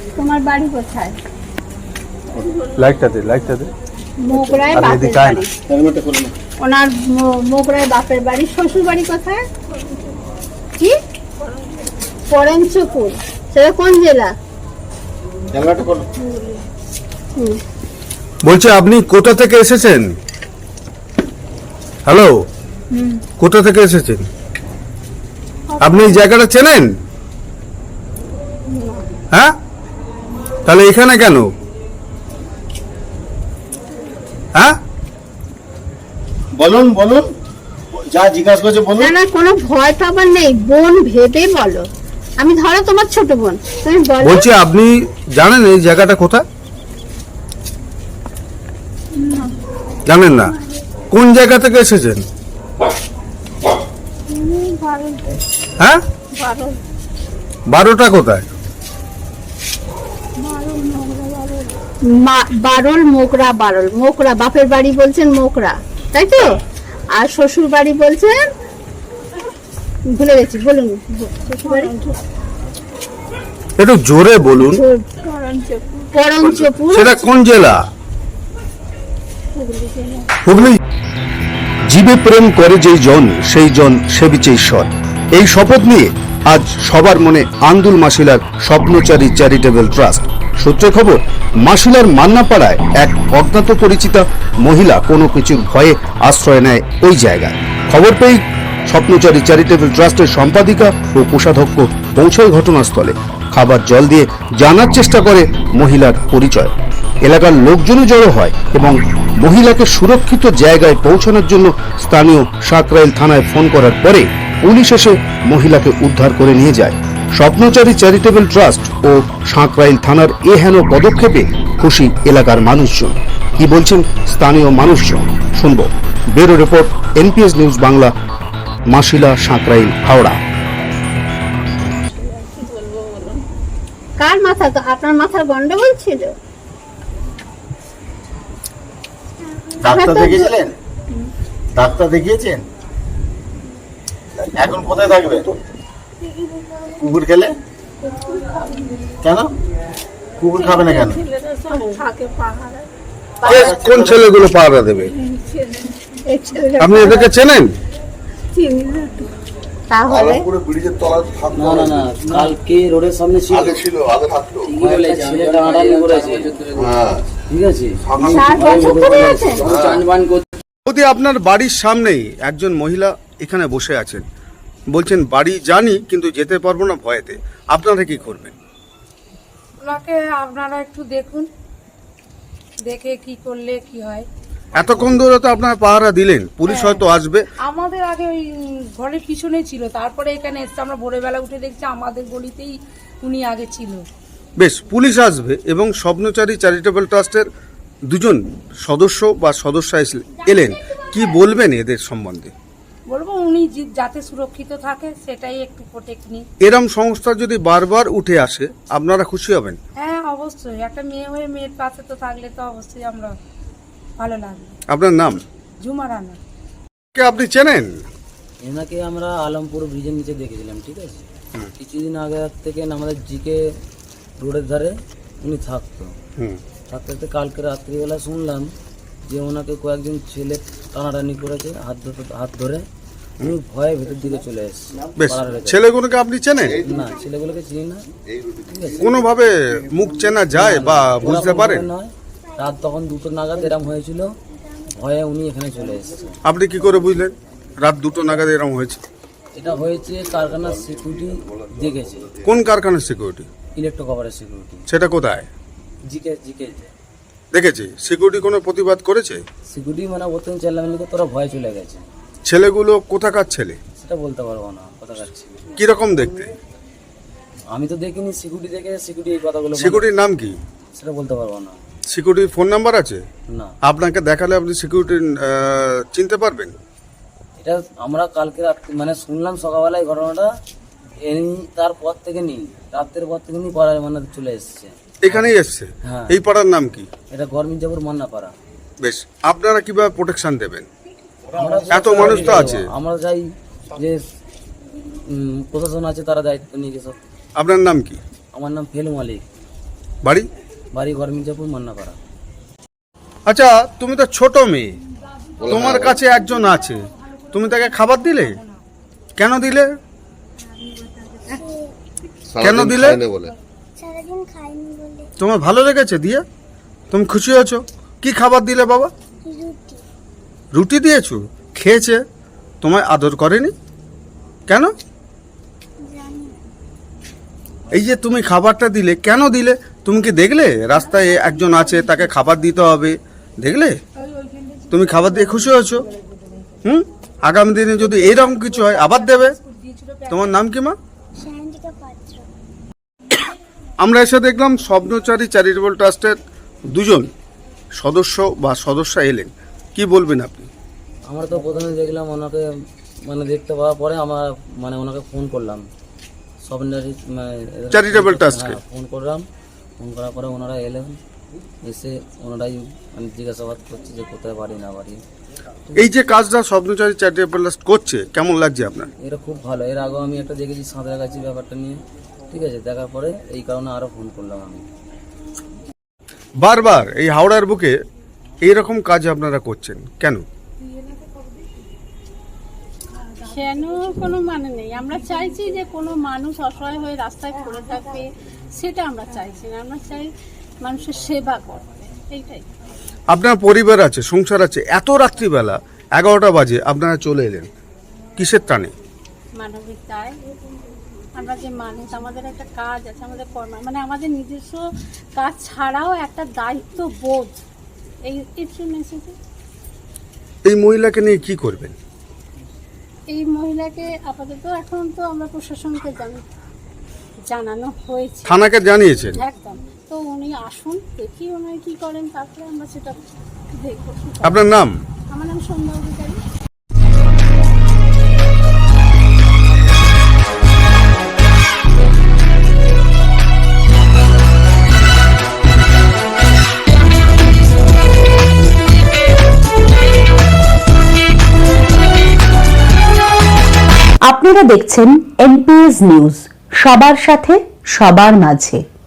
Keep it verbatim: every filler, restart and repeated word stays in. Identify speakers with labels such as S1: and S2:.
S1: তোমার বাড়ি কোথায়?
S2: লাইটটা দে, লাইটটা দে।
S1: মোগরায় বাপের বাড়ি। ওনার মোগরায় বাপের বাড়ি। শ্বশুর বাড়ি কোথায়? কি? পরঞ্চপুর। সেটা কোন জেলা?
S2: বলছি আপনি কোথা থেকে এসেছেন? হ্যালো, কোথা থেকে এসেছেন? আপনি এই জায়গাটা চেনেন? হ্যাঁ, তাহলে এখানে কেন? হ্যাঁ
S3: বলুন বলুন, যা জিজ্ঞাসা করছে বলুন।
S1: না না, কোনো ভয় পাবার নেই, বোন ভেবে বলো। আমি ধরো তোমার ছোট বোন, তুমি বলো।
S2: বলছি আপনি জানেন এই জায়গাটা কোথায়? জানেন না? কোন জায়গা থেকে এসেছেন? হ্যাঁ, বারোটা কোথায়?
S1: বারল মোগরা। বারল মোগরা বাপের বাড়ি বলছেন মোগরা, তাই তো? আর শ্বশুর বাড়ি বলছেন ভুলে গেছি, বলুন শ্বশুর বাড়ি।
S2: একটু জোরে বলুন।
S1: পরঞ্চপুর।
S2: সেটা কোন জেলা? হুগলি।
S4: জীবে প্রেম করে যেই জন সেই জন সেবিছে ঈশ্বর, এই শপথ নিয়ে আজ সবার মনে আন্দুল মাসিলার স্বপ্নচারী চ্যারিটেবল ট্রাস্ট। সূত্রে খবর, মাসিলার মান্নাপাড়ায় এক অজ্ঞাত পরিচিতা মহিলা কোনো কিছুর ভয়ে আশ্রয় নেয় ওই জায়গায়। খবর পেয়ে স্বপ্নচারী চ্যারিটেবল ট্রাস্টের সম্পাদিকা ও কোষাধ্যক্ষ পৌঁছয় ঘটনাস্থলে। খাবার জল দিয়ে জানার চেষ্টা করে মহিলার পরিচয়। এলাকার লোকজনও জড়ো হয় এবং মহিলাকে সুরক্ষিত জায়গায় পৌঁছানোর জন্য স্থানীয় সাকরাইল থানায় ফোন করার পরে পুলিশ এসে মহিলাকে উদ্ধার করে নিয়ে যায়। স্বপ্নচারী চ্যারিটেবল ট্রাস্ট ও সাকরাইল থানার এ হেন পদক্ষেপে খুশি এলাকার মানুষজন। কি বলছেন স্থানীয় মানুষজন শুনবো। Bureau report, NPS news Bangla, Masila, Sankrail, Howrah.
S1: কার মাথা? তো আপনার মাথার গন্ডগোল ছিল?
S3: ডাক্তার দেখিয়েছিলেন? ডাক্তার দেখিয়েছেন? এখন কোথায় থাকবে? কুকুর খেলে? কেন কুকুর খাবে না কেন?
S2: কোন ছেলেগুলো পাহারা দেবে? আপনি এদেরকে চেনেন?
S1: তাহলে
S5: না না না, কালকে রোডের সামনে ছিল,
S3: ছিল আগে থাকতো।
S5: ছেলে টানাটানি করেছে, ঠিক আছে।
S1: চার বছর ধরে আছেন?
S5: চানবান করতে
S2: যদি আপনার বাড়ির সামনেই একজন মহিলা এখানে বসে আছেন, বলছেন বাড়ি জানি কিন্তু যেতে পারবো না ভয়েতে, আপনারা কি করবেন?
S6: ওনাকে আপনারা একটু দেখুন, দেখে কি করলে কি হয়।
S2: এতক্ষণ ধরে তো আপনারা পাহারা দিলেন, পুলিশ হয়তো আসবে।
S6: আমাদের আগে ওই ঘরের পিছনে ছিল, তারপরে এখানে এসছে, আমরা ভোরবেলা উঠে দেখছি আমাদের গলিতেই উনি আগে ছিল।
S2: বেশ, পুলিশ আসবে এবং স্বপ্নচারী চ্যারিটেবল ট্রাস্টের দুজন সদস্য বা সদস্য এলেন, কি বলবেন এদের সম্বন্ধে?
S6: বলবো উনি যে- যাতে সুরক্ষিত থাকে সেটাই একটু প্রোটেক্ট নিই।
S2: এরম সংস্থা যদি বারবার উঠে আসে আপনারা খুশি হবেন?
S6: হ্যাঁ অবশ্যই, একটা মেয়ে হয়ে মেয়ের পাশে তো থাকলে তো অবশ্যই আমরা ভালো লাগবে।
S2: আপনার নাম?
S6: ঝুমা রানা।
S2: কে আপনি চেনেন?
S5: এনাকে আমরা আলমপুর ব্রিজের নিচে দেখেছিলাম, ঠিক আছে। কিছুদিন আগে থেকে আমাদের জিকে রোডের ধারে উনি থাকতো।
S2: হুম,
S5: থাকতে থাকতে কালকে রাত্রিবেলা শুনলাম যে ওনাকে কয়েকজন ছেলে টানাটানি করেছে, হাত ধরে হাত ধরে উনি ভয়ে ভেতর দিকে চলে এসেছে।
S2: বেশ,
S5: পাড়ার ভেতরে।
S2: ছেলেগুলোকে আপনি চেনেন?
S5: না, ছেলেগুলোকে চিনি না, ঠিক আছে।
S2: কোনোভাবে মুখ চেনা যায় বা বুঝতে
S5: ওরকম
S2: পারেন?
S5: ভাবে নয়, রাত তখন দুটো নাগাদ এরম হয়েছিল, ভয়ে উনি এখানে চলে এসেছে।
S2: আপনি কি করে বুঝলেন রাত দুটো নাগাদ এরকম হয়েছে?
S5: এটা হয়েছে কারখানার সিকিউরিটি দেখেছে,
S2: কোন কারখানার সিকিউরিটি?
S5: Electro কভারের security.
S2: সেটা কোথায়
S5: জিকে জিকে
S2: দেখেছি? সিকিউরিটি কোনো প্রতিবাদ করেছে?
S5: সিকিউরিটি মানে প্রথম চেল্লামিলি করে তোরা ভয় চলে গেছে।
S2: ছেলেগুলো কোথাকার ছেলে?
S5: সেটা বলতে পারবো না, কথা কাটছি।
S2: কিরকম দেখতে?
S5: আমি তো দেখিনি, সিকিউরিটি দেখে সিকিউরিটি এই কথাগুলো বলে।
S2: সিকিউরিটির নাম কি?
S5: সেটা বলতে পারবো না।
S2: সিকিউরিটির ফোন নাম্বার আছে?
S5: না,
S2: আপনাকে দেখালে আপনি সিকিউরিটি চিনতে পারবেন?
S5: এটা আমরা কালকে রাত্রি মানে শুনলাম সকালবেলায় ঘটনাটা, এই তারপর থেকে নিই রাতের পর থেকে নিই পাড়ায় মানে চলে এসছে।
S2: এখানেই এসছে?
S5: হ্যাঁ।
S2: এই পাড়ার নাম কি?
S5: এটা গরমিরজাপুর মান্নাপাড়া।
S2: বেশ, আপনারা কিভাবে প্রোটেকশন দেবেন?
S5: আমরা
S2: এত মানুষ তো আছে।
S5: আমরা চাই যে উম, প্রশাসন আছে, তারা দায়িত্ব নিয়ে গেছে।
S2: আপনার নাম কি?
S5: আমার নাম ফেলু মালিক।
S2: বাড়ি?
S5: বাড়ি ঘর মির্জাপুর মান্নাপাড়া।
S2: আচ্ছা, তুমি তো ছোট মেয়ে, তোমার কাছে একজন আছে, তুমি তাকে খাবার দিলে? কেন দিলে? কেন দিলে?
S7: সারাদিন খাইনি বলে।
S2: তোমার ভালো লেগেছে দিয়ে? তুমি খুশি হয়েছো? কি খাবার দিলে বাবা?
S7: রুটি।
S2: রুটি দিয়েছো? খেয়েছে? তোমায় আদর করেনি কেন?
S7: জানি না।
S2: এই যে তুমি খাবারটা দিলে, কেন দিলে? তুমি কি দেখলে রাস্তায় একজন আছে, তাকে খাবার দিতে হবে, দেখলে? তুমি খাবার দিয়ে খুশি হয়েছো? হুম, আগামী দিনে যদি এইরকম কিছু হয় আবার দেবে। তোমার নাম কি মা?
S7: সায়ন্তিকা পাত্র।
S2: আমরা এসে দেখলাম স্বপ্নচারী চ্যারিটেবল ট্রাস্টের দুজন সদস্য বা সদস্যা এলেন, কি বলবেন আপনি?
S5: আমরা তো প্রথমে দেখলাম ওনাকে, মানে দেখতে পাওয়ার পরে আমরা মানে ওনাকে ফোন করলাম, স্বপ্নচারী
S2: Charitable Trustকে।
S5: ফোন করলাম। ফোন করার পরে ওনারা এলেন, এসে ওনারাই মানে জিজ্ঞাসাবাদ করছে যে কোথায় বাড়ি না বাড়ি।
S2: এই যে কাজটা স্বপ্নচারী চ্যারিটেবল ট্রাস্ট করছে, কেমন লাগছে আপনার?
S5: এটা খুব ভালো। এর আগেও আমি একটা দেখেছি সাঁতরাগাছি ব্যাপারটা নিয়ে, ঠিক আছে, দেখার পরে এই কারণে আরও ফোন করলাম আমি।
S2: বারবার এই হাওড়ার বুকে এইরকম কাজ আপনারা করছেন কেন?
S1: কেন কোনো মানে নেই, আমরা চাইছি যে কোনো মানুষ অসহায় হয়ে রাস্তায় পড়ে থাকবে সেটা আমরা চাইছি না, আমরা চাই মানুষের সেবা করতে, এইটাই।
S2: আপনার পরিবার আছে, সংসার আছে, এত রাত্রিবেলা এগারোটা বাজে আপনারা চলে এলেন কিসের টানে?
S1: মানবিক দায়, আমরা যে মানুষ, আমাদের একটা কাজ আছে, আমাদের কর্ম, মানে আমাদের নিজস্ব কাজ ছাড়াও একটা দায়িত্ব বোধ, এই এর জন্য এসেছি।
S2: এই মহিলাকে নিয়ে কি করবেন?
S1: এই মহিলাকে আপাতত এখন তো আমরা প্রশাসনকে জানি জানানো হয়েছে,
S2: থানাকে জানিয়েছেন?
S1: একদম। তো উনি আসুন, দেখি উনি কি করেন, তারপরে আমরা সেটা দেখবো।
S2: আপনার নাম?
S1: আমার নাম সন্ধ্যা অধিকারী।
S8: আপনারা দেখছেন এনপিএস নিউজ, সবার সাথে সবার মাঝে।